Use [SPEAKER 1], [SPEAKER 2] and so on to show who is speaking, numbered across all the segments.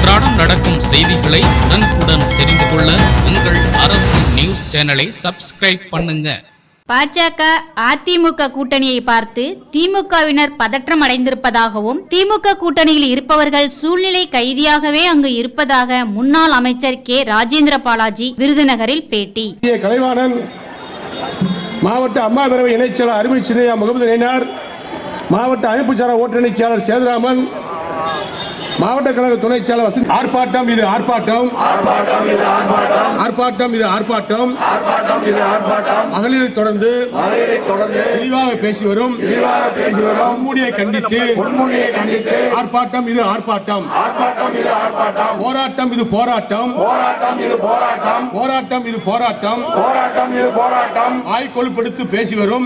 [SPEAKER 1] அன்றாடம் நடக்கும் செய்திகளை உடனுக்குடன் தெரிந்து கொள்ள உங்கள் அரசு நியூஸ் சேனலை சப்ஸ்கிரைப் பண்ணுங்க.
[SPEAKER 2] பாஜக அதிமுக கூட்டணியை பார்த்து திமுகவினர் பதற்றம் அடைந்திருப்பதாகவும் திமுக கூட்டணியில் இருப்பவர்கள் சூழ்நிலை கைதியாகவே அங்கு இருப்பதாக முன்னாள் அமைச்சர் கே ராஜேந்திர பாலாஜி விருதுநகரில் பேட்டி.
[SPEAKER 3] கலைவாணன், மாவட்ட அம்மா பேரவை இணைச்செயலாளர் அருமை சின்னையா முகமது நயினார், மாவட்ட அமைப்புச்சாரா ஓட்டுநர் செயலாளர் சேதுராமன், மாவட்ட கழக துணை செயலாளர் ஆர்ப்பாட்டம் இது ஆர்ப்பாட்டம், ஆர்ப்பாட்டம் இது ஆர்ப்பாட்டம், மகளிரை தொடர்ந்து தெளிவாக பேசி வரும் முன்மூடியை கண்டித்து ஆர்ப்பாட்டம் இது ஆர்ப்பாட்டம், போராட்டம் இது போராட்டம், போராட்டம் இது போராட்டம், வாய் கொழுப்படுத்து பேசி வரும்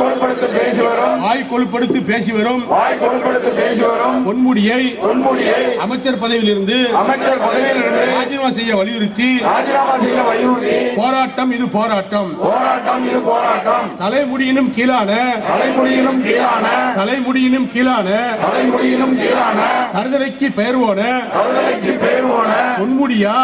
[SPEAKER 3] பொன்முடியை அமைச்சர் பதவியில் இருந்து ராஜினாமா செய்ய வலியுறுத்தி போராட்டம் இது போராட்டம், தலைமுடியினும் கீழான கருதலைக்கு பெயர் போன பொன்முடியா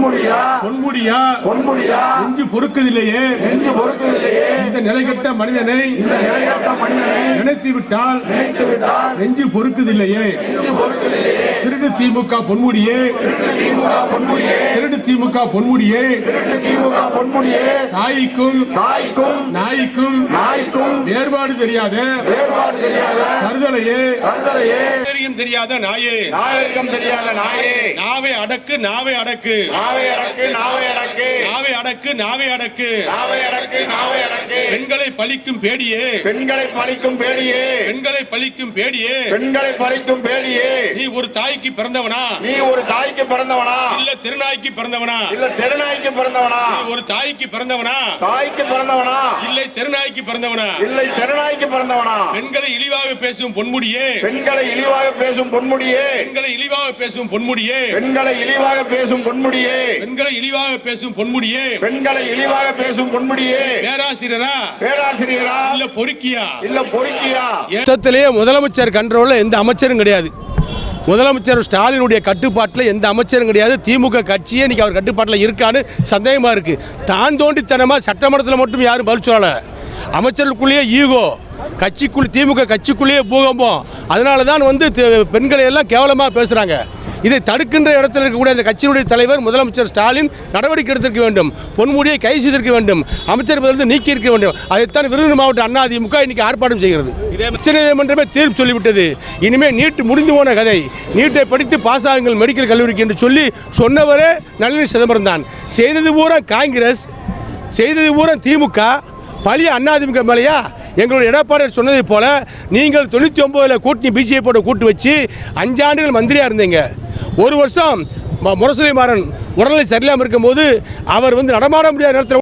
[SPEAKER 3] நெஞ்சு பொறுக்குதில்லையே, இந்த நிலைகட்ட மனிதனை நினைத்துவிட்டால் நெஞ்சு பொறுக்குதில்லையே. திருடு திமுக பொன்முடியே, திருடு திமுக பொன்முடியே, தாய்க்கும் நாய்க்கும் வேறுபாடு தெரியாத கருதலையே, தெரியாத நாயே, நாவை அடக்கு, நாவை அடக்கு, நாவை அடக்கு, பெண்களை பழிக்கும் பேடியே, நீ ஒரு தாய்க்கு பிறந்தவனா, இல்ல திருநாய்க்கு பிறந்தவனா, ஒரு தாய்க்கு பிறந்தவனா, இல்லை திருநாய்க்கு பிறந்தவனா, பெண்களை இழிவாக பேசும் பொன்முடியே, பெண்களை இழிவாக பேசும் பொன்முடியே, பேராசிரியரா இல்ல பொறுக்கியா. முதலமைச்சர் கண்ட்ரோல்ல எந்த அமைச்சரும் கிடையாது. முதலமைச்சர் ஸ்டாலினுடைய கட்டுப்பாட்டில் எந்த அமைச்சரும் கிடையாது. திமுக கட்சியே இன்னைக்கு அவர் கட்டுப்பாட்டில் இருக்கான்னு சந்தேகமா இருக்கு. தான் தோண்டித்தனமா சட்டமன்றத்தில் மட்டும் யாரும் பதில் சொல்லல. அமைச்சர்களுக்குள்ளேயே ஈகோ, திமுக கட்சிக்குள்ளேயே பூகம்பம். அதனால தான் பெண்களை எல்லாம் கேவலமாக பேசுறாங்க. இதை தடுக்கின்ற இடத்தில் இருக்கக்கூடிய அந்த கட்சியினுடைய தலைவர் முதலமைச்சர் ஸ்டாலின் நடவடிக்கை எடுத்திருக்க வேண்டும், பொன்முடியை கைது செய்திருக்க வேண்டும், அமைச்சர் பதவியிலிருந்து நீக்கி இருக்க வேண்டும். அதைத்தான் விருதுநகர் மாவட்ட அதிமுக இன்னைக்கு ஆர்ப்பாட்டம் செய்கிறது. உச்சநீதிமன்றமே தீர்ப்பு சொல்லிவிட்டது. இனிமே நீட் முடிந்து போன கதை, நீட்டை படித்து பாஸ் ஆகுங்கள் மெடிக்கல் கல்லூரிக்கு என்று சொன்னவரே நளினி சிதம்பரம் தான். செய்தது பூரா காங்கிரஸ், செய்தது பூரா திமுக, பழைய அதிமுக மேலையா? எங்களுடைய எடப்பாடியார் சொன்னதை போல நீங்கள் 99 கூட்டணி பிஜேபியோட கூட்டு வச்சு 5 ஆண்டுகள் மந்திரியா இருந்தீங்க. ஒரு வருஷம் முரசொலி மாறன் உடல்நிலை சரியில்லாமல் இருக்கும்போது அவர் நடமாட முடியாத நேரத்தில்